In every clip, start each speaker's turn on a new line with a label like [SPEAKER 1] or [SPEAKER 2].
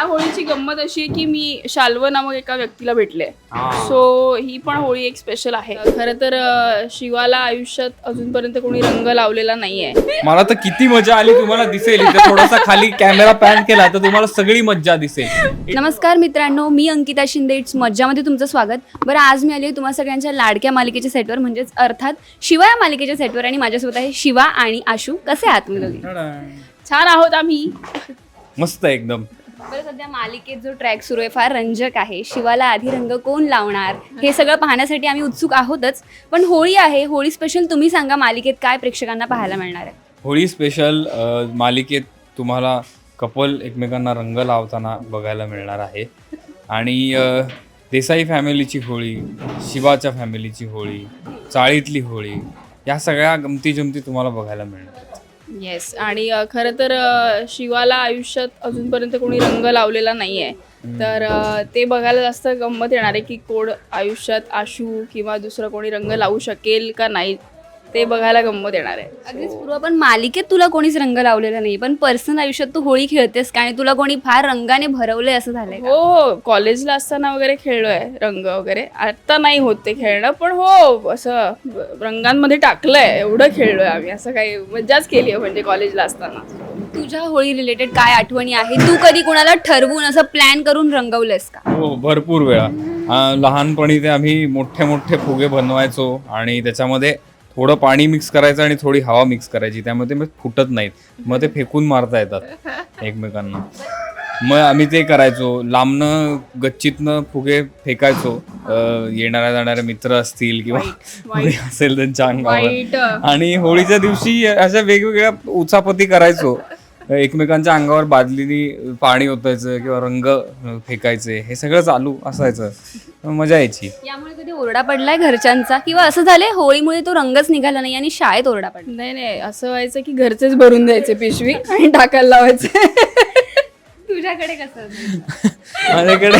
[SPEAKER 1] होळीची गंमत अशी आहे की मी शाल्व नामक एका व्यक्तीला भेटले. सो ही पण होळी एक स्पेशल आहे. खरं तर शिवाला आयुष्यात अजूनपर्यंत कोणी रंग लावलेला नाहीये.
[SPEAKER 2] मला तर किती मजा आली तुम्हाला दिसेल. इथे थोडासा खाली कॅमेरा पॅन केला तर तुम्हाला सगळी मज्जा दिसेल.
[SPEAKER 3] नमस्कार मित्रांनो, मी अंकिता शिंदे. इट्स मज्जामध्ये तुमचं स्वागत. बरं, आज मी आली आहे तुम्हा सगळ्यांच्या लाडक्या मालिकेच्या सेटवर, म्हणजेच अर्थात शिवा या मालिकेच्या सेटवर. आणि माझ्यासोबत आहे शिवा आणि आशू. कसे आहात तुम्ही दोघे?
[SPEAKER 1] छान आहोत आम्ही.
[SPEAKER 2] मस्त एकदम.
[SPEAKER 3] बरं, सध्या मालिकेत जो ट्रॅक सुरू आहे फार रंजक आहे. शिवाला आधी रंग कोण लावणार हे सगळं पाहण्यासाठी आम्ही उत्सुक आहोतच. पण होळी आहे, होळी स्पेशल तुम्ही सांगा, मालिकेत काय प्रेक्षकांना पाहायला मिळणार आहे?
[SPEAKER 2] होळी स्पेशल मालिकेत तुम्हाला कपल एकमेकांना रंग लावताना बघायला मिळणार आहे. आणि देसाई फॅमिलीची होळी, शिवाच्या फॅमिलीची होळी, चाळीतली होळी, या सगळ्या गमती जमती तुम्हाला बघायला मिळणार आहेत.
[SPEAKER 1] येस. आणि खरं तर शिवाला आयुष्यात अजूनपर्यंत कोणी रंग लावलेला नाहीये. तर ते बघायला जास्त गंमत येणार आहे की कोण आयुष्यात आशू किंवा दुसरं कोणी रंग लावू शकेल का नाही, ते बघायला गंमत येणार आहे.
[SPEAKER 3] अगदीच पूर्व, पण मालिकेत तुला कोणीच रंग लावलेला नाही, पण पर्सनल आयुष्यात तू होळी खेळतेस का? आणि तुला कोणी फार रंगाने भरवलंय असं झालंय का?
[SPEAKER 1] हो, कॉलेजला असताना वगैरे खेळलोय रंग वगैरे. आता नाही होत ते खेळणं, पण हो असं रंगांमध्ये टाकलंय, एवढं खेळलोय आम्ही. असं काही मज्जाच केली आहे म्हणजे कॉलेजला असताना.
[SPEAKER 3] तुझ्या होळी रिलेटेड काय आठवणी आहे? तू कधी कोणाला ठरवून असं प्लॅन करून रंगवलंयस का?
[SPEAKER 2] हो, भरपूर वेळा. लहानपणी ते आम्ही मोठे मोठे फुगे बनवायचो आणि त्याच्यामध्ये थोडं पाणी मिक्स करायचं आणि थोडी हवा मिक्स करायची, त्यामुळे ते मग फुटत नाहीत. मग ते फेकून मारता येतात एकमेकांना. मग आम्ही ते करायचो. लांबनं गच्चीतनं फुगे फेकायचो. येणाऱ्या जाणारे मित्र असतील किंवा कोणी असेल त्यांच्या
[SPEAKER 1] वाईट.
[SPEAKER 2] अंगावर. आणि होळीच्या दिवशी अशा वेगवेगळ्या उचापती करायचो. एकमेकांच्या अंगावर बादलीनी पाणी ओतायचं किंवा रंग फेकायचे, हे सगळं चालू असायचं. मजा यायची.
[SPEAKER 3] यामुळे कधी ओरडा पडलाय घरच्यांचा, किंवा असं झालंय होळीमुळे तो रंगच निघाला नाही आणि शाळेत ओरडा पडला?
[SPEAKER 1] नाही नाही, असं व्हायचं की घरचेच भरून द्यायचे पिशवी आणि टाकायला लावायचे.
[SPEAKER 3] तुझ्याकडे कसं?
[SPEAKER 2] माझ्याकडे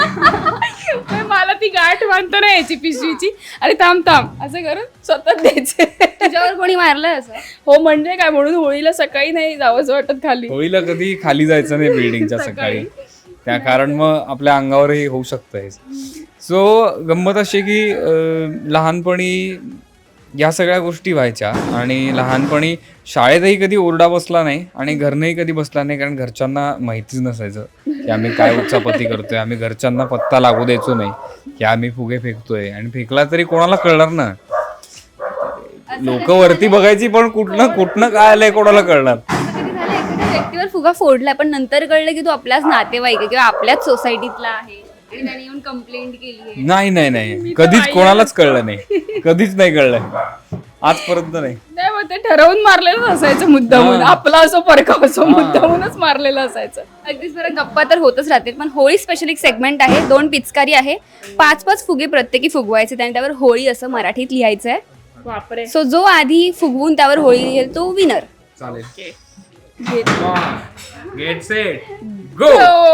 [SPEAKER 1] मला ती गाठ बांधता नाही यायची पिशवीची, अरे थांब थांब असं करून स्वतःच द्यायचे.
[SPEAKER 3] तुझ्यावर कोणी मारलंय असं?
[SPEAKER 1] हो, म्हणजे काय, म्हणून होळीला सकाळी नाही जावंसं वाटत खाली.
[SPEAKER 2] होळीला कधी खाली जायचं नाही बिल्डिंगच्या सकाळी, त्या कारण मग आपल्या अंगावरही होऊ शकतं हे. सो गंमत अशी की लहानपणी या सगळ्या गोष्टी व्हायच्या. आणि लहानपणी शाळेतही कधी ओरडा बसला नाही आणि घरनंही कधी बसला नाही, कारण घरच्यांना माहितीच नसायचं की आम्ही काय उच्चापती करतोय. आम्ही घरच्यांना पत्ता लागू द्यायचो नाही की आम्ही फुगे फेकतोय. आणि फेकला तरी कोणाला कळणार ना, लोक वरती बघायची, पण कुठनं काय आलंय कोणाला कळणार.
[SPEAKER 3] कधी झालं एखाद्या व्यक्तीवर फुगा फोडलाय पण नंतर कळलं की तो आपल्याच नातेवाईक आहे किंवा आपल्याच सोसायटीतला आहे आणि त्याने येऊन कंप्लेंट केली आहे?
[SPEAKER 2] नाही, कधीच कोणालाच कळलं नाही, कधीच नाही कळलं आजपर्यंत. नाही,
[SPEAKER 1] मग ते ठरवून मारलेलं असायचं मुद्दामून. आपला असो परका असो, मुद्दामूनच मारलेलं असायचं.
[SPEAKER 3] अगदीच बरं, गप्पा तर होतच राहतील, पण होळी स्पेशल एक सेगमेंट आहे. 2 पिचकारी आहे, 5-5 फुगे प्रत्येकी फुगवायचे, आणि त्यावर होळी असं मराठीत लिहायचं आहे.
[SPEAKER 1] बापरे.
[SPEAKER 3] सो जो आधी फुगवून त्यावर होळी लिहेल तो विनर.
[SPEAKER 2] चालेल.
[SPEAKER 1] घेत.
[SPEAKER 2] Get set go.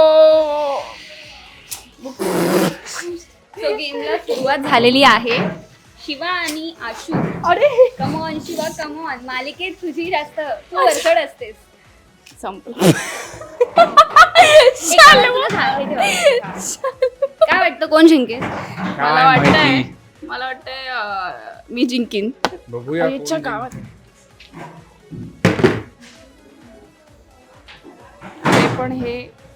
[SPEAKER 3] सो गेमला सुरुवात झालेली आहे. शिवा आणि आशू.
[SPEAKER 1] अरे
[SPEAKER 3] कमॉन शिवा, कमॉन. मालिकेत तुझी जास्त तू वरचढ असतेस.
[SPEAKER 1] संपलं.
[SPEAKER 3] काय वाटतं कोण जिंकेल?
[SPEAKER 1] मला वाटतंय मी जिंकीन.
[SPEAKER 2] बघूया
[SPEAKER 1] आईच्या गावात. अरे पण हे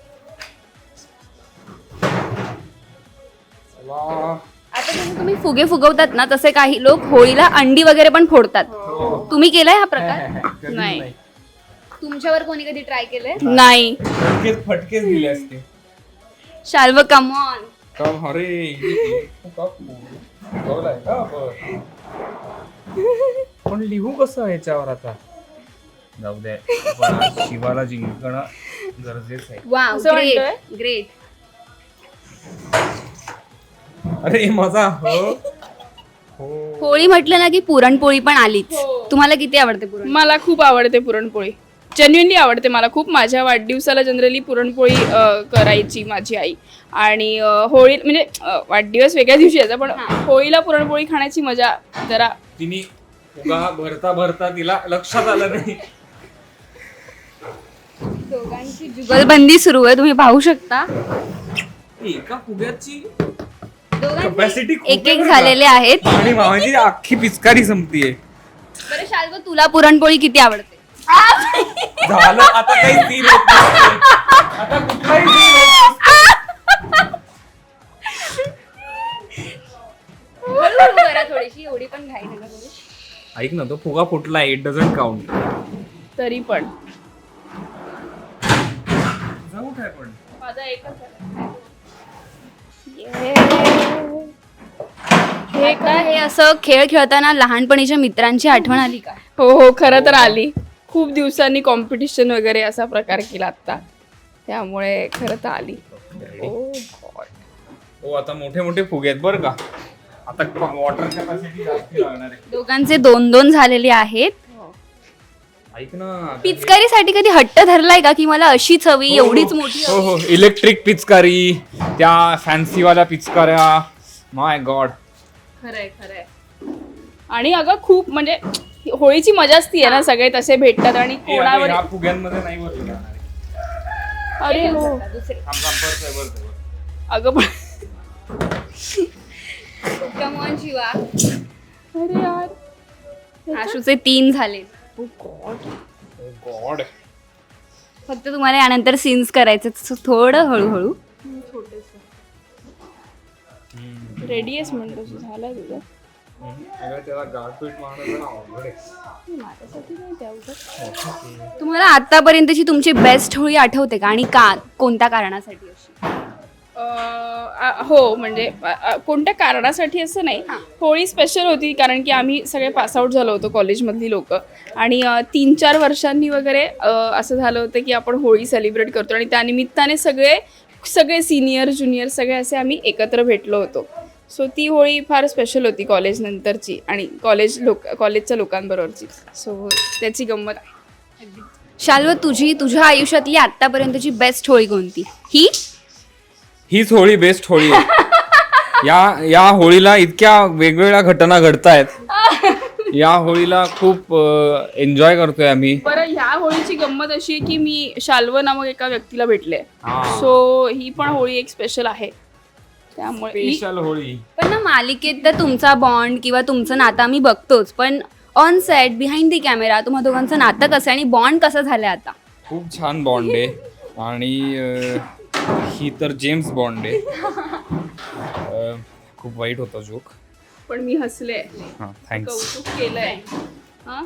[SPEAKER 3] आता जसं तुम्ही फुगे फुगवतात ना, तसे काही लोक होळीला अंडी वगैरे पण फोडतात. तुम्ही केलाय हा प्रकार?
[SPEAKER 1] नाही.
[SPEAKER 3] तुमच्यावर कोणी कधी ट्राय केलंय?
[SPEAKER 1] नाही.
[SPEAKER 2] फटकेच दिले असते.
[SPEAKER 3] शाल्व, कमॉन.
[SPEAKER 2] पण लिहू कसं याच्यावर? आता जाऊ दे, शिवाला जिंकणं गरजेचं आहे.
[SPEAKER 3] वाव,
[SPEAKER 1] असं
[SPEAKER 3] ग्रेट
[SPEAKER 1] वाटतंय?
[SPEAKER 3] ग्रेट.
[SPEAKER 2] अरे माझा
[SPEAKER 3] होळी म्हटलं ना की पुरणपोळी पण आलीच. तुम्हाला किती आवडते पुरण?
[SPEAKER 1] मला खूप आवडते पुरणपोळी, जेन्युइनली आवडते मला खूप. माझ्या वाढदिवसाला जनरली पुरणपोळी करायची माझी आई. आणि होळी म्हणजे वाढदिवस वेगळ्या दिवशी यायचा, पण होळीला पुरणपोळी खाण्याची मजा जरा.
[SPEAKER 2] तिने फुगा भरता भरता तिला लक्षात आलं नाही.
[SPEAKER 3] दोघांची जुगलबंदी सुरू आहे, तुम्ही पाहू शकता.
[SPEAKER 2] एका फुग्याची
[SPEAKER 3] दोघांचे
[SPEAKER 2] Capacity खूप
[SPEAKER 3] एक
[SPEAKER 2] आहे
[SPEAKER 3] एक
[SPEAKER 2] बरं का?
[SPEAKER 3] झालेले आहेत.
[SPEAKER 2] आणि मामाची अख्खी पिचकारी संपतीये.
[SPEAKER 3] बरं शाल्व, तुला पुरणपोळी किती आवडते?
[SPEAKER 2] झालं आता काही सीन होत नसते. आता कुठलाही scene होत नसते.
[SPEAKER 3] हळूहळू करा थोडीशी, एवढी पण घाई नका करू.
[SPEAKER 2] ऐक ना, तो फुगा फुटला, इट डझंट काउंट.
[SPEAKER 1] तरी पण
[SPEAKER 2] जाऊ काय पण
[SPEAKER 1] माझा एकच आहे.
[SPEAKER 3] हे काय, हे असं खेळ खेळताना लहानपणीच्या मित्रांची आठवण आली का?
[SPEAKER 1] हो हो, खरं तर आली. खूप दिवसांनी कॉम्पिटिशन वगैरे असा प्रकार केला आता, त्यामुळे खरं तर आली. Oh God.
[SPEAKER 2] हो, आता मोठे मोठे फुगे आहेत बरं का. आता वॉटर कॅपॅसिटी जास्त लागणार आहे.
[SPEAKER 3] दोघांचे 2-2 झालेले आहेत.
[SPEAKER 2] ऐक ना,
[SPEAKER 3] पिचकारीसाठी कधी हट्ट धरलाय का की मला अशीच हवी, एवढीच मोठी
[SPEAKER 2] हो
[SPEAKER 3] हवी?
[SPEAKER 2] हो, इलेक्ट्रिक पिचकारी, त्या फॅन्सीवाल्या पिचकाऱ्या, माय गॉड.
[SPEAKER 1] खरंय खरंय. आणि अगं खूप म्हणजे होळीची मजाच ती आहे ना, सगळे तसे भेटतात आणि कोणावर.
[SPEAKER 2] ह्या फुग्यांमध्ये नाही भरले जाणार आहे.
[SPEAKER 1] अरे हो,
[SPEAKER 3] दुसरे.
[SPEAKER 2] थांब, थांब, परत आहे, परत आहे.
[SPEAKER 1] अगं पण
[SPEAKER 3] Come on, शिवा.
[SPEAKER 1] अरे यार.
[SPEAKER 3] आशूचे 3 झाले.
[SPEAKER 1] Oh God.
[SPEAKER 2] Oh God.
[SPEAKER 3] फक्त तुम्हाला यानंतर सीन्स करायचे, थोडं हळूहळू.
[SPEAKER 1] रेडी आहेस म्हणतो तू, झालं तुझं.
[SPEAKER 2] अगं, त्याला गाठपीट मारणं जरा अवघड आहे.
[SPEAKER 1] माझ्यासाठी नाही तेवढं.
[SPEAKER 3] तुम्हाला आतापर्यंतची तुमची बेस्ट होळी आठवते का, आणि का, कोणत्या कारणासाठी अशी?
[SPEAKER 1] हो म्हणजे कोणत्या कारणासाठी असं नाही, होळी स्पेशल होती कारण की आम्ही सगळे पासआउट झालो होतो कॉलेजमधली लोक, आणि 3-4 वर्षांनी वगैरे असं झालं होतं की आपण होळी सेलिब्रेट करतो, आणि त्यानिमित्ताने सगळे सिनियर ज्युनियर सगळे असे आम्ही एकत्र भेटलो होतो. सो ती होळी फार स्पेशल होती कॉलेज नंतरची आणि कॉलेजच्या लोकांबरोबरची. सो त्याची गंमत आहे.
[SPEAKER 3] शाल्व, तुझ्या आयुष्यातली आतापर्यंतची बेस्ट होळी कोणती?
[SPEAKER 2] हीच होळी बेस्ट होळी आहे. या होळीला इतक्या वेगवेगळ्या घटना घडतायत. या होळीला खूप एन्जॉय करतोय आम्ही.
[SPEAKER 1] बरं, ह्या होळीची गंमत अशी आहे की मी शाल्व नामक एका व्यक्तीला भेटले,
[SPEAKER 2] हा.
[SPEAKER 1] सो ही पण होळी एक स्पेशल आहे. त्यामुळे
[SPEAKER 2] स्पेशल होळी.
[SPEAKER 3] पण ना, मालिकेत तर तुमचा बॉन्ड किंवा तुमचं नातं आम्ही बघतोच, पण on set behind the camera तुम्हा दोघांचं नातं कसं आहे आणि बॉन्ड कसं झालंय आता?
[SPEAKER 2] खूप छान बॉन्ड आहे. आणि ही तर जेम्स बॉन्ड आहे. खूप वाईट होता जोक,
[SPEAKER 1] पण मी हसले,
[SPEAKER 2] हां थँक्स.
[SPEAKER 1] कौतुक केलंय. हा,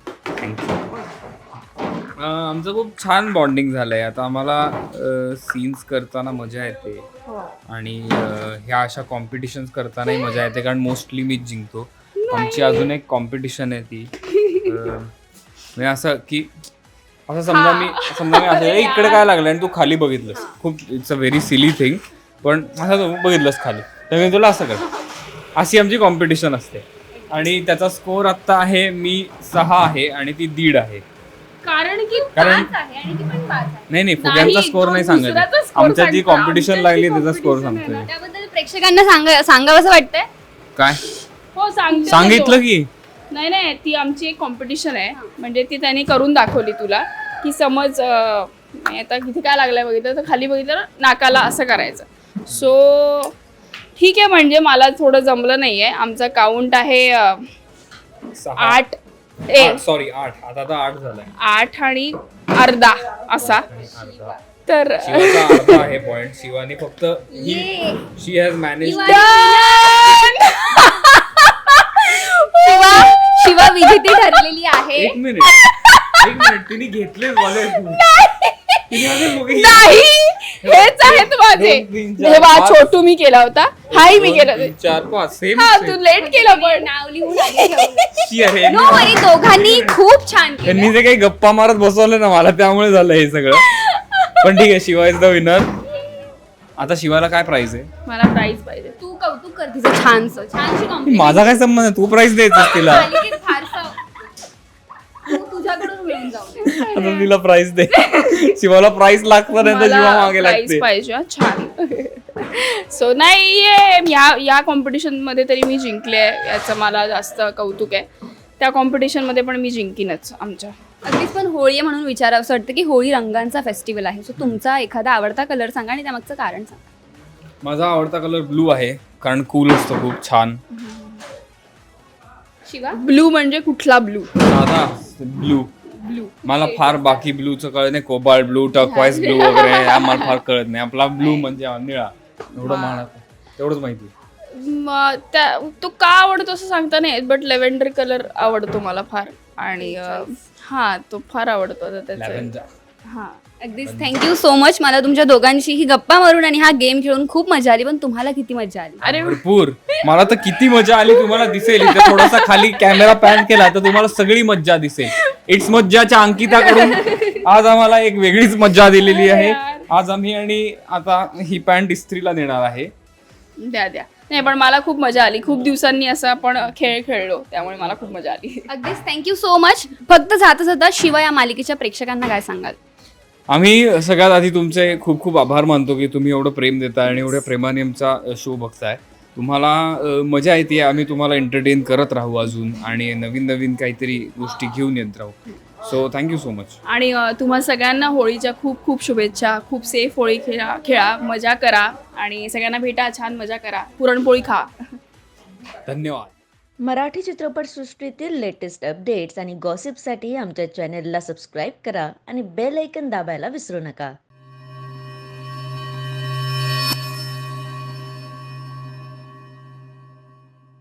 [SPEAKER 2] आमचं खूप छान बॉन्डिंग झालंय. आता आम्हाला सीन्स करताना मजा येते, आणि ह्या अशा कॉम्पिटिशन्स करतानाही मजा येते, कारण मोस्टली मीच जिंकतो. आमची अजून एक कॉम्पिटिशन आहे ती म्हणजे असं की असं समजा मी असं "ए, इकडे काय लागलं" आणि तू खाली बघितलंस. खूप it's a very silly thing, पण असं तू बघितलंस खाली तर मी तुला असं कर. अशी आमची कॉम्पिटिशन असते. आणि त्याचा स्कोर आत्ता आहे, मी 6 आहे आणि ती 1.5 आहे.
[SPEAKER 1] कारण की
[SPEAKER 2] कारण नाही फुग्यांचा स्कोर नाही सांगत,
[SPEAKER 1] दुसऱ्याचा score
[SPEAKER 2] आमच्या जी
[SPEAKER 1] सांगतो.
[SPEAKER 2] कॉम्पिटिशन लागली त्याचा
[SPEAKER 1] आमच्याची
[SPEAKER 2] स्कोर
[SPEAKER 1] competition
[SPEAKER 2] सांगतोय.
[SPEAKER 3] त्याबद्दल प्रेक्षकांना सांगावं वाटतंय.
[SPEAKER 2] काय
[SPEAKER 1] हो सांगते.
[SPEAKER 2] सांगितलं की
[SPEAKER 1] नाही, ती आमची एक कॉम्पिटिशन आहे, म्हणजे ती त्यांनी करून दाखवली तुला, की समज आता किती काय लागलंय बघितलं तर खाली बघितलं नाकाला असं करायचं. सो ठीक आहे, म्हणजे मला थोडं जमलं नाहीये. आमचा काउंट आहे 8
[SPEAKER 2] सॉरी 8. आता 8 झालाय.
[SPEAKER 1] 8 आणि अर्धा असा. तर
[SPEAKER 2] शिवाचा अर्धा आहे पॉइंट. शिवानी फक्त शी हॅज मॅनेज.
[SPEAKER 3] शिवा विजेती ठरलेली आहे.
[SPEAKER 2] एक मिनिट तिने घेतले मला.
[SPEAKER 1] नाही, हेच आहेत माझे. हे बा, छोटू मी केला होता, हाही मी केला.
[SPEAKER 2] 4, 5 सेम.
[SPEAKER 1] हा, तू लेट केलं पण.
[SPEAKER 3] नाव लिहून आधी ठेवलं.
[SPEAKER 2] अरे
[SPEAKER 3] नो वरी, दोघांनी खूप छान केलं.
[SPEAKER 2] त्यांनी जे काही गप्पा मारत बसवलं ना मला, त्यामुळे झालं हे सगळं. पण ठीक आहे, शिवा इज द विनर. आता शिवाला काय प्राइस आहे?
[SPEAKER 1] मला प्राइज पाहिजे.
[SPEAKER 3] तू कौतुक कर तिचं छानशी compliment.
[SPEAKER 2] माझा काय संबंध आहे? तू प्राइस द्यायचं तिला.
[SPEAKER 3] मालिकेत फारसं तू तुझ्याकडून मिळून जाऊ दे.
[SPEAKER 2] आता तिला प्राइस दे. शिवाला प्राइस लागतं नाही तर शिवा
[SPEAKER 1] मला
[SPEAKER 2] मागे
[SPEAKER 1] प्राइज
[SPEAKER 2] लागते.
[SPEAKER 1] पाहिजे. हा, छान. सो नाही, या कॉम्पिटिशन मध्ये तरी मी जिंकले, याचं मला जास्त कौतुक आहे. त्या कॉम्पिटिशन मध्ये पण मी जिंकीनच आमच्या.
[SPEAKER 3] अगदीच, पण होळी आहे म्हणून विचारावं असं वाटतं की होळी रंगांचा फेस्टिवल आहे. सो तुमचा एखादा आवडता कलर सांगा आणि त्यामागचं कारण सांगा.
[SPEAKER 2] माझा आवडता कलर ब्लू आहे, कारण कूल असतो खूप छान.
[SPEAKER 3] शिवा?
[SPEAKER 1] ब्लू म्हणजे कुठला ब्लू?
[SPEAKER 2] साधा ब्लू.
[SPEAKER 1] ब्लू.
[SPEAKER 2] मला फार बाकी ब्लूचं कळत नाही, कोबाल्ट ब्लू, टर्क्वाइज ब्लू वगैरे हे आम्हाला फार कळत नाही. आपला ब्लू म्हणजे निळा, एवढं मला तेवढंच माहिती.
[SPEAKER 1] तो का आवडतो असं सांगता नाही, बट लेव्हेंडर कलर आवडतो मला फार. आणि हा तो फार आवडतो आता त्याचा.
[SPEAKER 2] लॅव्हेंडर.
[SPEAKER 1] हा
[SPEAKER 3] अगदीच, थँक्यू सो मच. मला तुमच्या दोघांशी ही गप्पा मारून आणि हा गेम खेळून खूप मजा आली. पण तुम्हाला किती मजा आली?
[SPEAKER 1] अरे
[SPEAKER 2] भरपूर. मला तर किती मजा आली तुम्हाला दिसेल. इथे थोडासा खाली कॅमेरा पॅन केला तर तुम्हाला सगळी मज्जा दिसेल. इट्स मज्जाच्या अंकिताकडून आज आम्हाला एक वेगळीच मज्जा दिलेली आहे. आज आम्ही आणि आता ही पॅन्ट इस्त्रीला देणार आहे.
[SPEAKER 1] द्या नाही, पण मला खूप मजा आली. खूप दिवसांनी असं आपण खेळ खेळलो, त्यामुळे मला खूप मजा आली.
[SPEAKER 3] अगदीच, थँक्यू सो मच. फक्त जाता जाता शिवा या मालिकेच्या प्रेक्षकांना काय सांगाल?
[SPEAKER 2] आम्ही सगळ्यात आधी तुमचे खूप खूप आभार मानतो की तुम्ही एवढं प्रेम देताय आणि एवढ्या प्रेमाने आमचा शो बघताय. तुम्हाला मजा येते. आम्ही तुम्हाला एंटरटेन करत राहू अजून आणि नवीन नवीन काहीतरी गोष्टी घेऊन येत राहू. So thank you so much.
[SPEAKER 1] आणि तुम्हा सगळ्यांना होळीच्या खूप खूप शुभेच्छा. खूप सेफ होळी खेळा, मजा करा आणि सगळ्यांना भेटा, छान मजा करा, पुरणपोळी खा.
[SPEAKER 2] धन्यवाद.
[SPEAKER 4] मराठी चित्रपटसृष्टीतील लेटेस्ट अपडेट्स आणि गॉसिपसाठी आमच्या चॅनेलला सबस्क्राईब करा आणि बेल ऐकन दाबायला विसरू नका.